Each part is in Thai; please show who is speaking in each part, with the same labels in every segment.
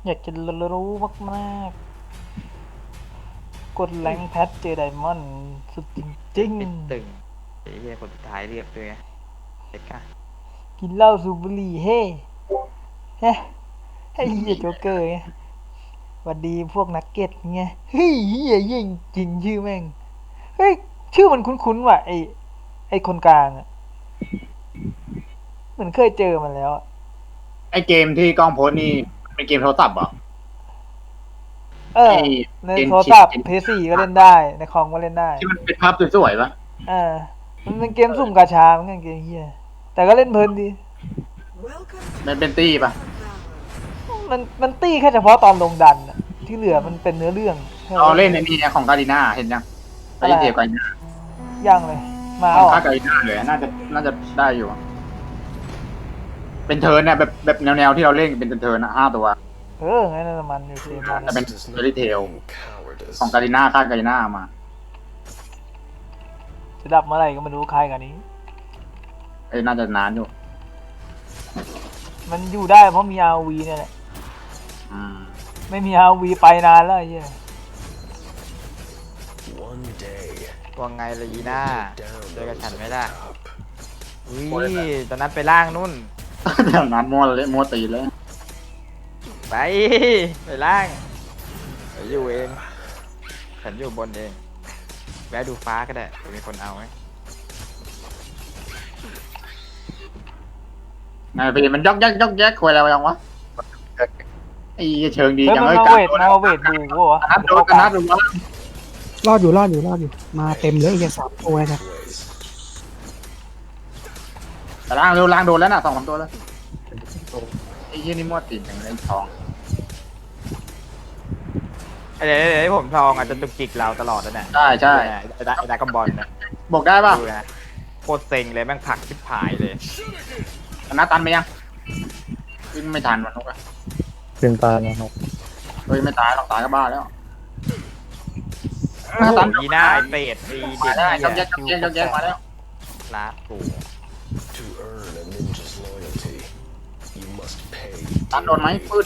Speaker 1: อยากจะรู้มากๆกดแรงแพทเจอไดมอนด์สุดจริง
Speaker 2: ปิดตึงไอ้เหี้ยคนสุดท้ายเรียบด้วยไงเด็กอะ
Speaker 1: ๆกินเหล้าสูบบุหรี่เฮ้เฮ้ให้เฮียโจ๊กเกอร์ไงหวัดดีพวกนักเก็ตไงเฮ้ยเฮียยิ่งจริงชื่อแม่งเฮ้ยชื่อมันคุ้นๆว่ะไอคนกลางอะเหมือนเคยเจอมันแล้วอะ
Speaker 3: ไอเกมที่กล้องโพสต์นี่เป็นเกมโทรศัพท์เหรอ
Speaker 1: เออ
Speaker 3: ไอ
Speaker 1: ใน
Speaker 3: เจน
Speaker 1: โทร
Speaker 3: ชิ
Speaker 1: ศัพท์
Speaker 3: น
Speaker 1: เพย์สี่ก็เล่นได้ในคอมก็เล่นได้
Speaker 3: ที่มันเป็นภาพสวยๆปะ
Speaker 1: เออมันเป็นเกมสุ่มกาชาเหมือนกันเกมเฮียแต่ก็เล่นเพลินดี
Speaker 3: มันเป็นตี้ปะ
Speaker 1: มันตี้แค่เฉพาะตอนลงดันอะที่เหลือมันเป็นเนื้อเรื่อง
Speaker 3: เราเล่นในนี่ของกาลิน่าเห็นยังไปเทียบกัน
Speaker 1: ยังเลยมา
Speaker 3: ของ
Speaker 1: เอา
Speaker 3: ค่ากาลิน่าเลยน่าจะได้อยู่เป็นเทิร์นเนี่ยแบบแนวที่เราเล่นเป็นเทิร์นนะ5 ตัว
Speaker 1: งั้นน่ะมันอยู่เกมนั้น
Speaker 3: แต่เป็นเฟรเทลของกาลิน่าค่ากาลิน่ามา
Speaker 1: จะดับเมื่อไหร่ก็ไม่รู้ใครกันนี้
Speaker 3: น่าจะนานอยู่
Speaker 1: มันอยู่ได้เพราะมี RV เนี่ยแหละไม่มี RV ไปนานแล้วไอ้เหี้ย
Speaker 2: ว่าไงเลยอีน่าเจอกับฉันไม่ได้อุ้ยตอนนั้นไปล่างนู่น
Speaker 3: แถวนั้นมัวตีเลย
Speaker 2: ไปล่างไปอยู่เองฉันอยู่บนเองแวะดูฟ้าก็ได้จะมีคนเอาไหม
Speaker 3: ไงพี่มันยอกแยกคุยอะไรยังวะไอ้เชิงดี
Speaker 1: เฮ้ย
Speaker 3: จัง
Speaker 1: มัน
Speaker 3: เลย
Speaker 1: มาเวทบูกูวะ
Speaker 3: นัดดูว่า
Speaker 4: รอดอยู่มาเต็มเลยอย่า3 ตัวนะ
Speaker 3: แต่ล่างเร็วล่างโดนแล้วน่ะ2-3 ตัวแล้วไอ้ยี่นี่มัวตีนอย่างไรทอง
Speaker 2: เดี๋ยวผมทองอาจจะตุกจิกเราตลอดแล้วเนี่ย
Speaker 3: ใช่
Speaker 2: ไอ้ดากบอลนะ
Speaker 3: บอกได้ป่ะ
Speaker 2: ดูนะโคตรเซ็งเลยแม่งผลักชิบหายเลย
Speaker 3: นัดตันไปยังวิ่งไม่ทันมันนกอะ
Speaker 5: เป็นตานะครับ
Speaker 3: เฮ้ยไม่ตายหรอกตายก็บ้าแล้ว
Speaker 2: ตันยีน่าไอเป็ดไอเด็ก
Speaker 3: ได้ย
Speaker 2: เนี่
Speaker 3: กแยกมาแล้ว
Speaker 2: ลากู
Speaker 3: ตันโดนไหมปืด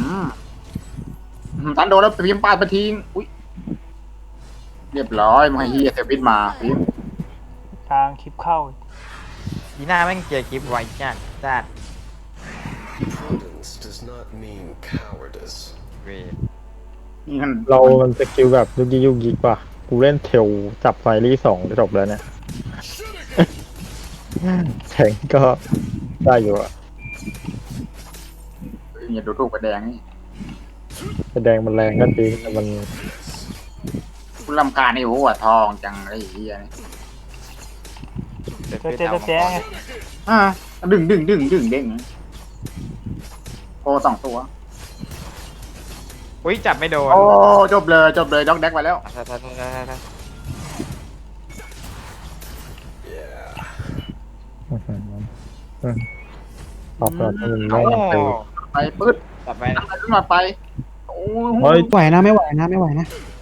Speaker 3: ตันโดนแล้วพิมพ์ปาดไปทิ้งอุ้ยเรียบร้อยมาให้เฮียเซฟิตมาพิมพ์
Speaker 1: ทางคลิปเข้า
Speaker 2: ยีน่าแม่งเจอคลิปไวจัดเว
Speaker 3: นี่มัน
Speaker 5: มันสกิลแบบยุกยิกว่ะกูเล่นเทลจับไฟรี่2จะจบแล้วเนี่ยแข่งก็ได้อยู่อ่ะ
Speaker 3: อย่าดูถูกกระแดงนี่
Speaker 5: แสดงมันแรงก็จริงแต่มัน
Speaker 3: คุณลำการนี่โอ้โหทองจังไอ้เฮียนี่
Speaker 1: ก็เจ๊ไง
Speaker 3: ดึงเด้งโอ้2 ตัว
Speaker 2: อุ้ยจับไม่โดน
Speaker 3: โอ้จบเลยด็อกแดกไปแล้ว
Speaker 5: ตอบรับมันไม่ไป
Speaker 3: ไปปืด
Speaker 2: จับไปนะ
Speaker 3: ขึ้นมาไปโอ้
Speaker 5: เฮ้ย
Speaker 4: ไหวนะไม่ไหวนะ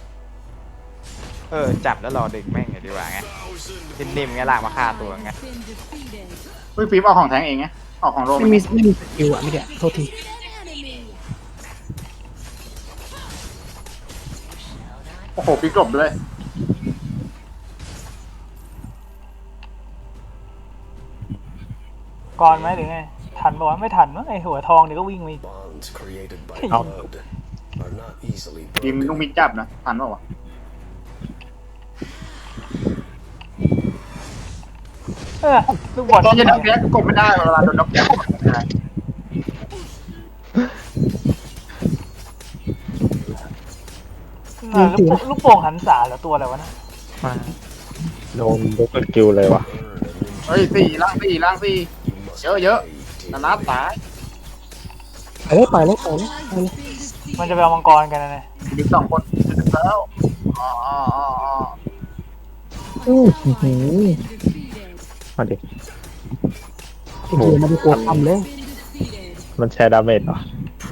Speaker 2: จับแล้วรอดึงแม่งดีกว่าไงนิ่มๆไงลากมาฆ่าตัวไง
Speaker 3: เฮ้ยฟิล์มเอาของแทงเองไงเอาของโรม
Speaker 4: ไม่มีสกิลอ่ะไม่เดี๋ยวโทษที
Speaker 3: โอ้โหปีกลบเลย
Speaker 1: ก่อนไหมหรือไงทันปะวะไม่ทันมั้งไอหัวทองเดี๋ยวก็วิ่งมาอีก
Speaker 3: ฟิล์มต้องมีจับนะทันป่าวะ
Speaker 1: ลูกบอล
Speaker 3: ตอนจะด็อกแดกกดไม่ได้เวลาโดนด็อกแดกกดไม่ได้
Speaker 1: ลูกโป่งหันษาเหรอตัวอะไรวะนะ
Speaker 5: โดนยกสกิลเลยว่ะ
Speaker 3: เฮ้ยล่างสี่เยอะนัดตาย
Speaker 4: ไปเลย
Speaker 1: มันจะไปเอามังกรกันนะเนี่ย
Speaker 3: ดึง2 คนดึงแล้วอ๋อ
Speaker 5: มาดิ
Speaker 4: โอ้โหมาดูตัวทำเลย
Speaker 5: มันแชร์ดาเมจเหรอ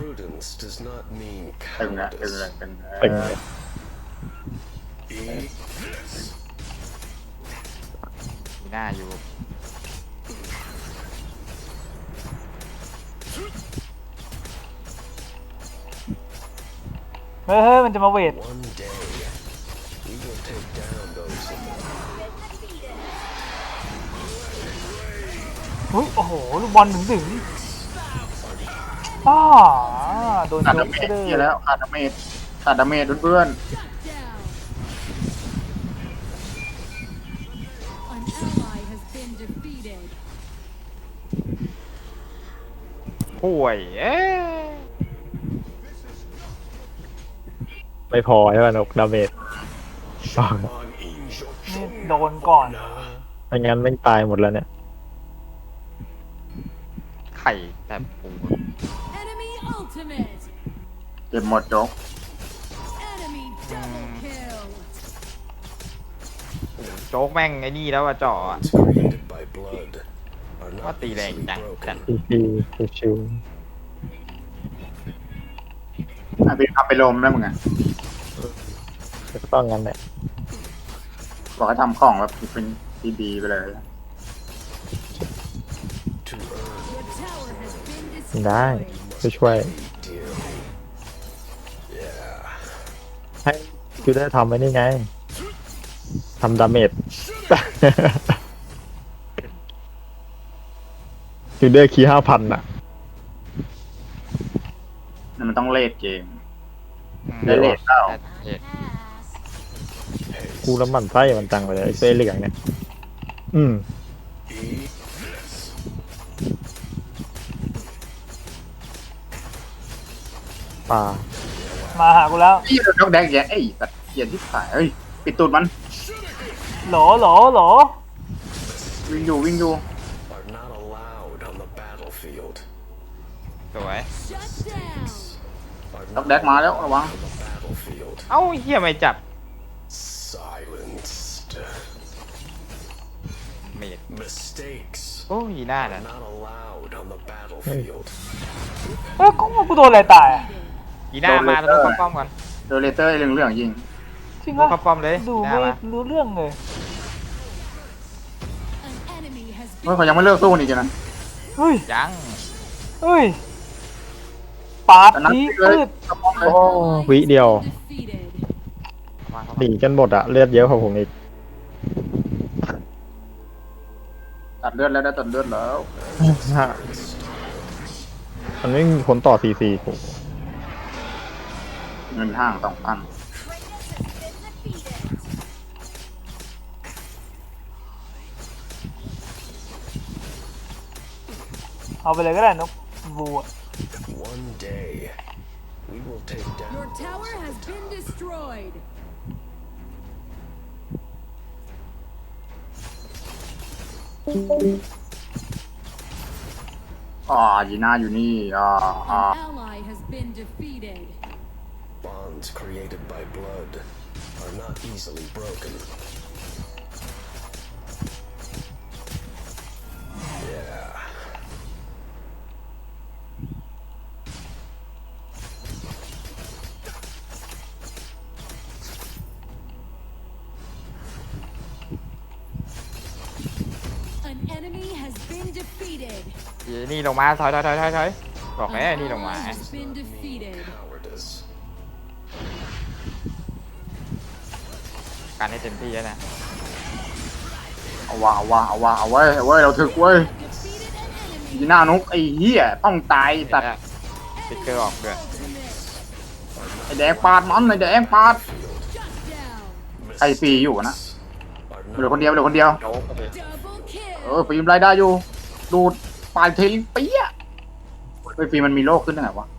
Speaker 3: ตึงเลย
Speaker 5: เป็นไง
Speaker 2: ยีน่าอยู่
Speaker 1: เฮ้ยมันจะมาเวท
Speaker 6: One day, we will take down those in the
Speaker 1: อุ้ยโอ้โหลูกบอลถึงอ้าโดน
Speaker 3: ขาด
Speaker 1: ย
Speaker 3: ดาก เม
Speaker 1: ก็
Speaker 3: จ
Speaker 1: ได้
Speaker 3: เหี้ยแล้วขาดดาเมจขาดดาเมจเพื่อน
Speaker 7: An ally has been defeated.
Speaker 2: ป่วยเอ๊ะ
Speaker 5: ไม่พอใช่ป่ะนกดาเมจ
Speaker 6: Shaman Angel
Speaker 1: นี่โดนก่อน
Speaker 5: ไม่งั้นไม่งตายหมดแล้วเนี่ย
Speaker 2: ไข่แต่ปู
Speaker 7: Enemy ultimate.
Speaker 3: ๆเก็บหมดโจ๊ก
Speaker 7: Enemy double kill.
Speaker 2: โจ๊กแม่งไอ้นี่แล้วอะจ่ออะ
Speaker 6: created by blood are not
Speaker 2: What the
Speaker 6: easily
Speaker 2: dang dang
Speaker 6: broken.
Speaker 5: ชิวชิว
Speaker 3: เอาไปลมแล้วมึงอ่ะ
Speaker 5: ๆก็ต้องงั้นแหละ
Speaker 3: บอกให้ทำของแบบเป็นดีๆไปเลย
Speaker 6: To earn
Speaker 7: Your tower has been
Speaker 5: ได้
Speaker 7: destroyed.
Speaker 5: ช่วย
Speaker 6: dearly. Yeah.
Speaker 5: ให้กูได้ทำไว้นี่ไงทำดาเมจ จูเดอร์คี5,000อ่ะ
Speaker 3: นั่นมันต้องเลดเกม
Speaker 2: อืม
Speaker 3: ได้เลทเปล่า
Speaker 2: เอ๊ะ
Speaker 5: กูแล้วหมันไส้มันจังไปเลยไอ้เส้เหลืองเนี่ย อืม
Speaker 6: Eat this.
Speaker 5: ป่า
Speaker 1: มาหากูแล้ว
Speaker 3: นี่เราต้องแดงแย่ไอ้สัตว์เกียร์ที่สายเฮ้ยปิดตูดมัน
Speaker 1: โหล
Speaker 3: วิ่งอยู่
Speaker 6: Are not allowed on the battlefield.
Speaker 2: สวย
Speaker 7: Shut down.
Speaker 6: Are
Speaker 3: ต้อง
Speaker 6: not
Speaker 3: แดกมาแล้วระวัง
Speaker 6: on the battlefield.
Speaker 2: เอ้าเฮียไม่จับ
Speaker 6: Silenced.
Speaker 2: เมด
Speaker 6: Mistakes
Speaker 2: โอ้ยหน้า
Speaker 6: are
Speaker 2: น่ะ
Speaker 6: not allowed on the battlefield.
Speaker 1: เฮ้ยกูโดนอะไรตายอะ
Speaker 2: ยีหน้ามาเราต้องเข้าป้อมก่อน
Speaker 3: เดอเลเตอร์เรื่องยิง
Speaker 1: จริง
Speaker 2: ต้อง
Speaker 1: ปะ
Speaker 2: เข้าป้อมเลย
Speaker 1: ดู
Speaker 2: ยีหน้า
Speaker 1: ไม่
Speaker 2: มา
Speaker 1: รู้เรื่องเลย
Speaker 7: An enemy has
Speaker 3: เฮ้ย
Speaker 7: been
Speaker 3: เขายังไม่เลิกสู้นี่จ้ะนะ
Speaker 1: เฮ้ย
Speaker 2: ยัง
Speaker 1: ปาด
Speaker 3: แต่นั้น
Speaker 1: ที
Speaker 3: เลย
Speaker 1: พืด
Speaker 3: กระป๋องเลย
Speaker 5: โอ้วิเดียว
Speaker 7: defeated.
Speaker 2: เข้ามาเข้า
Speaker 5: ห
Speaker 2: มา
Speaker 5: นีกันหมดอะเลือดเยอะกว่าผมอีก
Speaker 3: ตัดเลือดแล้วได้ตัดเลือดแล้ว
Speaker 5: มันไม่มีผลต่อCC ผม
Speaker 3: เงินห้าง2,000
Speaker 1: เอาไปเลยก็ได้นกบูอะ
Speaker 6: One day, we will take down.
Speaker 7: Your tower has been destroyed.
Speaker 3: ยีน่าอยู่นี่
Speaker 7: An ally has been defeated.
Speaker 6: Bonds created by blood are not easily broken. Yeah.
Speaker 7: An enemy has been defeated.
Speaker 2: ยีนี่ลงมาถอยบอกแล้ว
Speaker 7: An
Speaker 2: นี่ลงมา
Speaker 7: ally has been defeated.
Speaker 6: Cowardice.
Speaker 2: การให้เต็มที่แล้วนะ
Speaker 3: เอาไว้เราถึกเว้ย
Speaker 7: Defeated an enemy.
Speaker 3: ยีน่านุกไอ้เหี้ยต้องตาย
Speaker 2: เห็น
Speaker 3: ตัด
Speaker 2: แล้วติ๊กเกอร์ออกด้วย
Speaker 7: Ultimate.
Speaker 3: ไอ้แดงปาดมันไอ้แดงปาด
Speaker 7: Shut down.
Speaker 3: ใครปีอยู่นะ
Speaker 6: Are
Speaker 3: เหลือ
Speaker 6: not
Speaker 3: คนเดียว
Speaker 2: โจ๊กเลย
Speaker 7: Double kill.
Speaker 3: ปีมรายได้อยู่ ดูดปาดทิ้งเปี้ยไอ้ปีมันมีโรคขึ้นได้ไงวะ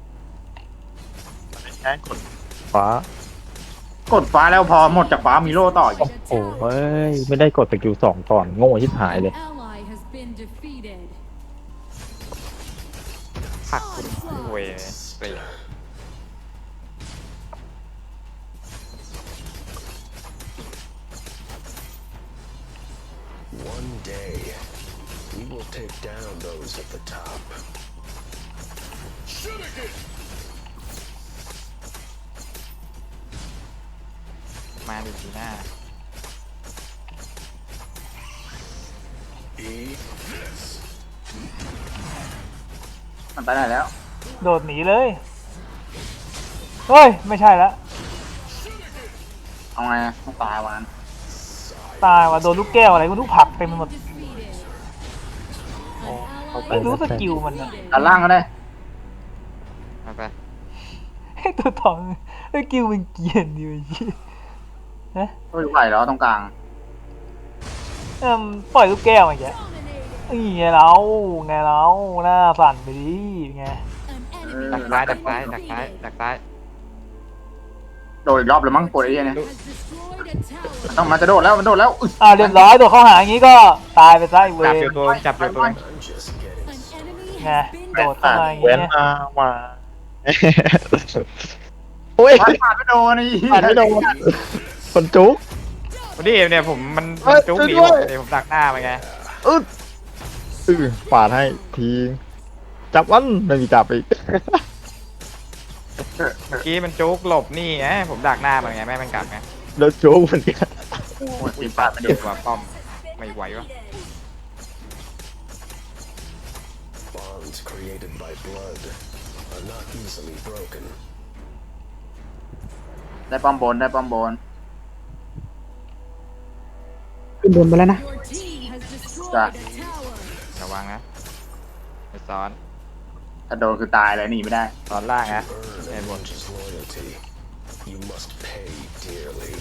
Speaker 5: แค่กดฟ้าก
Speaker 3: ดฟ้าแล้วพอหมดจากฟ้ามีโล่ต่ออีก
Speaker 5: โอ้เฮ้ย ไม่ได้กดสกิล2ก่อน โง่ชิบหายเลย
Speaker 7: An ally has been defeated.
Speaker 2: ผักคุณเวยเปรี้ย
Speaker 6: one day, we will take down those at the top.
Speaker 2: มาดิจีน่า
Speaker 6: Eat this.
Speaker 3: มันไปได้แล้ว
Speaker 1: โดดหนีเลย
Speaker 3: เ
Speaker 1: เฮ้ยไม่ใช่ละ
Speaker 3: เอาไงต้องตายวัน
Speaker 1: ตายว่ะโดนลูกแก้วอะไรก็ลูกผักเต็มไปหมด
Speaker 7: Defeated. An
Speaker 1: ไม่รู้
Speaker 7: ally
Speaker 1: สกิลมันอะ
Speaker 3: ด้านล่างก็ได้
Speaker 2: เอาไป
Speaker 1: ไอ้ตัวทองสกิลมันเกรียนดีวะเหี้ยนะ
Speaker 3: เฮ้ยไหวแล้วตรงกลาง
Speaker 1: ปล่อยลูกแก้วมาแก
Speaker 7: dominated.
Speaker 1: นี่ไงเราไงเราหน้าสั่นไปดิไง
Speaker 7: An
Speaker 2: ดัก
Speaker 7: enemy
Speaker 2: ซ้ายดักซ้ายดักซ้ายดักซ้าย
Speaker 3: โดดอีกรอบเลยมั้งปวดไอ้เหี้ยเนี่ย
Speaker 7: has destroyed a tower.
Speaker 3: ต้องมันจะโดดแล้วมันโดดแล้วอุ๊ย
Speaker 1: เรียบร้อยตัวเข้าหาอย่างงี้ก็ตายไปซะไอ้เว
Speaker 2: จับ
Speaker 1: ร
Speaker 2: อยู่ตัวจับอยู่ตัว
Speaker 6: I'm just getting
Speaker 7: An enemy
Speaker 1: ไง
Speaker 7: has been
Speaker 1: โดดเข้ามาอย่าง
Speaker 5: เว้น
Speaker 1: เงี้ย
Speaker 5: มาโอ้ย
Speaker 3: ผ่านไม่โดนไอ้เหี้ย
Speaker 5: ผ่านไม่โดนคนจุก
Speaker 2: วันนี้เนี่ยผมมัน
Speaker 5: เฮ้ย
Speaker 2: จุกหนี
Speaker 5: ช่วย
Speaker 2: ผ
Speaker 5: ด้วย
Speaker 2: มเดี๋ยวผมดักหน้าไปไง
Speaker 5: ปาดให้ทีจับวันไม่มีจับอีก
Speaker 2: เมื่อกี้มันจุกหลบนี่ไงผมดักหน้ามันไงแม่ให้มันกลับไง
Speaker 5: แล้วจุกเหมือนกัน
Speaker 3: โอ้ยตีปาดไม่โด
Speaker 2: เด็
Speaker 3: น
Speaker 2: กกว่าป้อมไม่ไหววะ
Speaker 6: bonds created by blood are not easily broken.
Speaker 3: ได้ป้อมบนได้ป้อมบน
Speaker 4: ขึ้นบนไปแล้วนะ
Speaker 7: Your team has destroyed
Speaker 3: Dạ.
Speaker 7: a tower.
Speaker 2: ระวังนะไปซ้อน
Speaker 3: ถ้าโดนคือตายเลยหนีไม่ได้
Speaker 2: ซ้อนล่างนะ
Speaker 6: Earn a ninja's loyalty. You must pay dearly.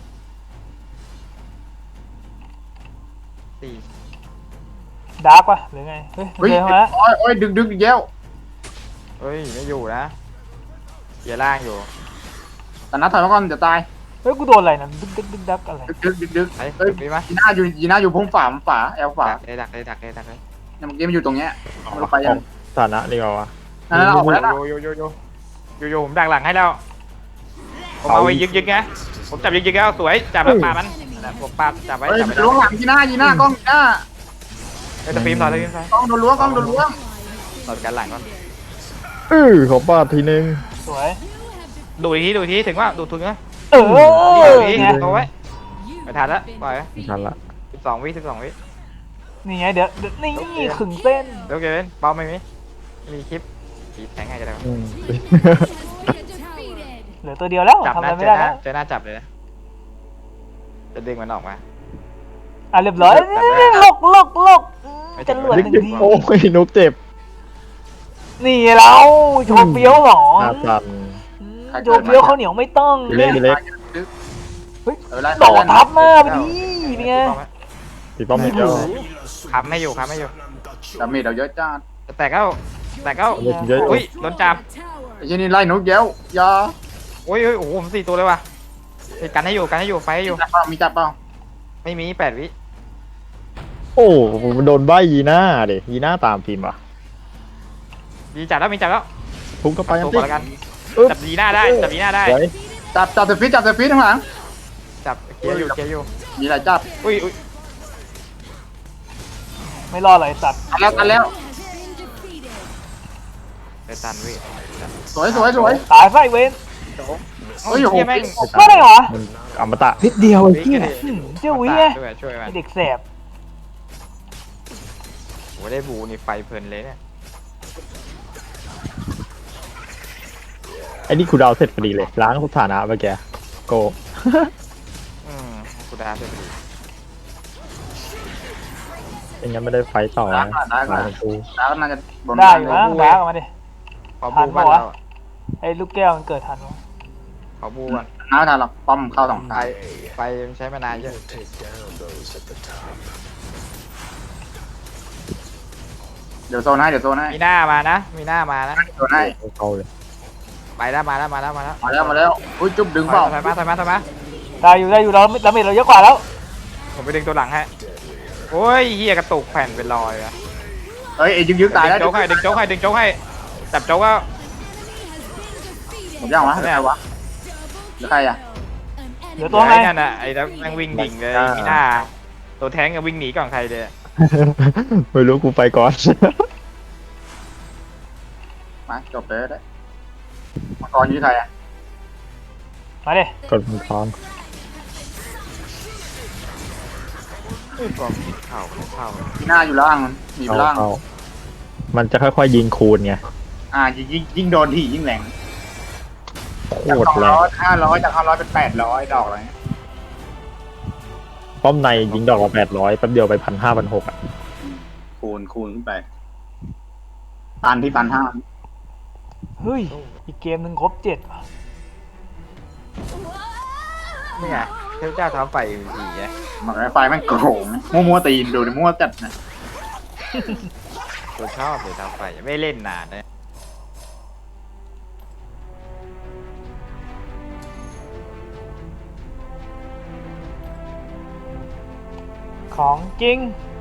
Speaker 2: ตี
Speaker 1: ดาร์กปะหรือไงเฮ้ย
Speaker 3: เฮ้ย
Speaker 1: เจอมา
Speaker 3: โอ้ยดึงอีกแล้ว
Speaker 2: เฮ้ยไม่อยู่นะเกียร์ล่างอยู่
Speaker 3: แต่นัดถอยมาก่อนจะตาย
Speaker 1: เฮ้ยกูโดนอะไรนะดึกดักอะไร
Speaker 3: ดึก
Speaker 2: ไป
Speaker 3: เฮ้ย
Speaker 2: มีไหม
Speaker 3: ยีน่าอยู่พุ่งฝาแอลฝา
Speaker 2: ดักเลยดักเลยดักเลยดักเลย
Speaker 3: เนี่ยเมื่อกี้มันอยู่ตรงเนี้ยมันลงไปยัง
Speaker 5: ฐานะดีกว่าวะ
Speaker 3: นั่นออกไปแล้วนะ
Speaker 2: โยผมดักหลังให้แล้วผมเอาไว้ยึกไงผมจับยึกแล้วสวยจับแล้วปามันผมปาจับไว้
Speaker 3: เฮ้ย
Speaker 2: จับไว้
Speaker 3: ล้วงหลังยีน่ากล้องยีน่า
Speaker 2: เฮ้ยตะฟิล์มถอยตะฟิล์มถอย
Speaker 3: กล้องโดนล้วงกล้องโดนล้วง
Speaker 2: ถอยกันหลังก่อน
Speaker 5: ขอปาดทีนึง
Speaker 1: สวย
Speaker 2: ดูอีกทีถึงว่าดูถึงนะ
Speaker 1: เออ
Speaker 2: ดูอีกที
Speaker 1: ไง
Speaker 2: เอาไว้
Speaker 7: You
Speaker 2: ไม่ทันละ
Speaker 7: have been
Speaker 2: ปล่อย
Speaker 7: defeated.
Speaker 5: ทันละ
Speaker 2: 12 วิ12 วิ
Speaker 1: นี่ไงเดี๋ยวนี่ขึงเส้น
Speaker 2: เดี๋ยวเกนเบาไม่มีคลิปตีแทงให้จะได้
Speaker 5: อืม
Speaker 7: Defeated.
Speaker 1: เหลือตัวเดียวแล้ว
Speaker 2: จับ
Speaker 1: ทำอะไร
Speaker 2: นะ
Speaker 1: ไม่ได้แล้ว
Speaker 2: เจอหน้าจับเลยนะจะดึงมันออกมา
Speaker 1: เรียบร้อย
Speaker 2: จับได้
Speaker 1: ลก
Speaker 2: ไม่
Speaker 1: จะ
Speaker 2: ถึง
Speaker 1: หลวด
Speaker 5: ดึ
Speaker 1: ห
Speaker 5: ก
Speaker 1: นึ่ง
Speaker 5: ดึก
Speaker 1: ที
Speaker 5: โอ้ยนุกเจ็บ
Speaker 1: นี่เราโชว์เฟี้ยวหรอ
Speaker 5: หน้าสั่น
Speaker 1: โชว์เฟี้ยวข้าวเหนียวไม่ต้อง
Speaker 5: ทีเล็กทีเล็ก
Speaker 1: โดดทับหน้าไปดินี่ไง
Speaker 5: ตีป้อมไม่เจอ
Speaker 2: ค้ำให้อยู่
Speaker 3: ดาเมจเราเยอะจ้า
Speaker 2: แต่ก็
Speaker 5: เยอะ
Speaker 2: อุ้ยโดนจับ
Speaker 7: A tower.
Speaker 3: ไอ้เช่นนี้ไล่นกเย้วยา
Speaker 2: โอ้ยโอ้โหผม4 ตัวเลยว่ะกันให้อยู่ไฟให้อยู่
Speaker 3: จับเปล่ามีจับเปล่า
Speaker 2: ไม่มี8 วิ
Speaker 5: โอ้ผมโดนใบยีน่าเด็ยีน่าตามพิมพ์อ่ะ
Speaker 2: มีจับแล้ว
Speaker 5: พุ่งเข้าไป
Speaker 2: ตัว
Speaker 5: สิ
Speaker 2: ก่อนแล้วกันจับดีหน้าได้จับดีหน้าได้
Speaker 5: ไว้
Speaker 3: จับเซฟิตข้างหลัง
Speaker 2: จับเกียร์อยู่
Speaker 3: มีอะไรจับ
Speaker 2: อุ้ย
Speaker 1: ไม่รอดเลยสัตว์
Speaker 3: กันแล้ว
Speaker 7: Has been defeated.
Speaker 2: ไปตันวิ
Speaker 3: สวย
Speaker 1: ตายไฟเวน
Speaker 3: เฮ้ยโอ้โห
Speaker 2: แม่ง
Speaker 1: ก็ได้เหรอ
Speaker 5: มันอมตะ
Speaker 4: นิดเดียวไอ้เหี้ย
Speaker 1: เจ้าวิไง
Speaker 2: ช่วยมัน
Speaker 1: ไอ้เด็กแสบ
Speaker 2: โอ้ได้บูนี่ไฟเพลินเลยเนี่ย
Speaker 5: ไอ้นี่คูดาวเสร็จพอดีเลยล้างสถานะไปแกโก
Speaker 2: กูดาเสร็จพอดี
Speaker 5: ไม่งั้นไม่ได้ไฟต่อนะหลายกู
Speaker 3: แล้วน่าจะบน
Speaker 1: ได้อยู่มั้งดาร์กออกมาดิ
Speaker 2: ขอบูบ้านเรา
Speaker 1: ไอ้ลูกแก้วมันเกิดทันวะ
Speaker 2: ขอบูก่อน
Speaker 3: น้าทานหรอกป้อมเข้าสอง
Speaker 2: ไฟ
Speaker 3: ทาง
Speaker 2: ไฟมันใช้มานานเยอะ
Speaker 6: We'll take down those at the top.
Speaker 3: เดี๋ยวโซนให้
Speaker 2: มีหน้ามานะ
Speaker 3: โซนให้
Speaker 5: เข้าเลย
Speaker 2: ไปแล้วมาแล้ว
Speaker 3: มาแล้วอุ้ยจุ๊บดึงเปล่า
Speaker 2: ถอยมา
Speaker 1: ได้อยู่เราดาเมจเราเยอะกว่าแล้ว
Speaker 2: ผมไปดึงตัวหลังให้โอ้ยเฮียกระตุกแผ่นเป็นรอยอะ
Speaker 3: เฮ้ยไอ้ยึกตายแล้ว
Speaker 2: ดึงโจ๊กให้จับโจ๊กก็
Speaker 3: ผมยังวะไม่เอาวะใครอ่ะ
Speaker 1: เหลือตัวไง
Speaker 2: ไอ้นั่นน่ะไอ้นั่นแม่งวิ่งดิ่งเลยมีหน้าตัวแท้งก็วิ่งหนีก่อนใครเลย
Speaker 5: ไม่รู้กูไปก่อน
Speaker 3: มาจบเลยได้มังกรยื้อใครอ่ะ
Speaker 1: มาดิ
Speaker 5: กดมือท้อง
Speaker 2: กองเข้า
Speaker 3: หน้าอยู่ล่างมันหนีไป
Speaker 5: เข้า
Speaker 3: ล่าง
Speaker 5: เข้ามันจะค่อยๆยิงคูณไง
Speaker 3: ยิ่งโดนที่ยิ่งแรง
Speaker 5: โค
Speaker 3: จาก
Speaker 5: ตรแรง
Speaker 3: 200 500จาก500เป็น800ดอกอะไรเงี้ย
Speaker 5: ป้อมในยิงดอกละ800แป๊บเดียวไป1,500 1,600อ่ะ
Speaker 3: คูณขึ้นไปตันที่1,500
Speaker 1: เฮ้ย อีกเกมหนึ่งครบ7ว่ะ
Speaker 2: นี่ไงเทพเจ้าท้าไฟผีไง
Speaker 3: มันไฟแม่งโกงมั่วตีนดูดิมั่วจัดนะ
Speaker 2: ตัวชอบเลยท้าไฟไม่เล่นนานเลย
Speaker 1: ของจริง